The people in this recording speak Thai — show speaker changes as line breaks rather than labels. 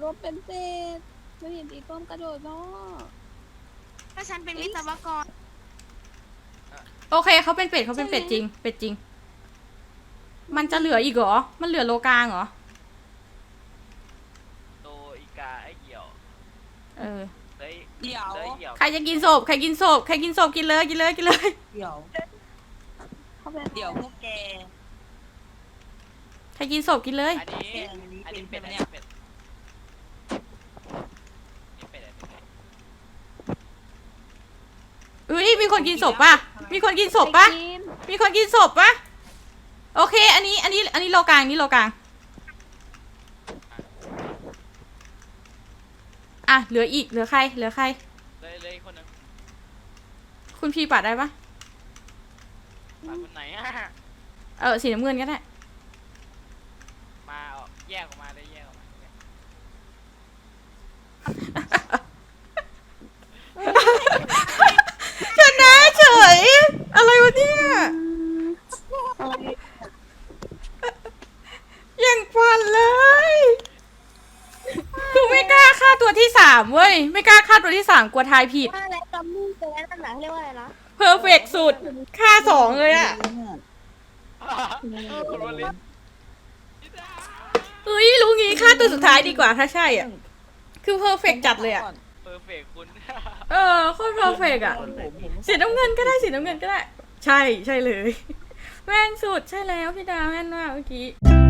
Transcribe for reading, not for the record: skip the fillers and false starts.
รถเป็นเศษไม่เห็นอีต้มกระโดดเนาะ
ถ้าฉันเป็นวิศวกร
โอเคเขาเป็นเป็ดเขาเป็นเป็ดจริงเป็ดจริงมันจะเหลืออีกเหรอมันเหลือโลกลางเหรอ
โตอีกาไอ้เหี่ยว
เออ
เฮ้ย
เดี๋ยว
เฮ้ยเหี่ยว
ใครจะกินศพใครกินศพใครกินศพกินเลยกินเลยกินเลย
เดี๋ยว
เข้าไป
เดี๋ยวพวกแก
ใครกินศพกินเลย
อันนี้
แกอันนี้
อันนี้
เป็
เป็น
น
อัน
เนี่
นี้
ย
เป็นนี่เป็นอะไรเป็น
อุ้ยมีคนกินศพป่ะมีคนกินศพป่ะ
กิน
มีคนกินศพป่ะโอเคอันนี้โลกลางนี่โลกลางอ่ะเหลืออีกเหลือใครเหลือใคร
เลยคนหนึง
คุณพี่ปัดได้ปะ
มาคนไหนอะ
สีน้ำเงินก็ได้
มาออกแยกออกมาเลยแยกออกมา
ชนะเฉยอะไรวะเนี่ยยังฟันเลยคือไม่กล้าฆ่าตัวที่สามเว้ยไม่กล้าฆ่าตัวที่สามกลัวทายผิด
ว่าอะไรกัมมี่เป็นอะไรนั่นหนังเรียกว่าอะไรนะ
เพอร์เฟกสุดฆ่าสองเลยอะ
คุณวลิน
เฮ้ยรู้งี้ฆ่าตัวสุดท้ายดีกว่าถ้าใช่อ่ะคือเพอร์เฟกจัดเลยอ่ะ
เพอร์เฟกคุณ
โคตรเพอร์เฟกอ่ะสีน้ำเงินก็ได้สีน้ำเงินก็ได้ ใช่เลยแม่นสุดใช่แล้วพี่ดาวแม่นมากเมื่อกี้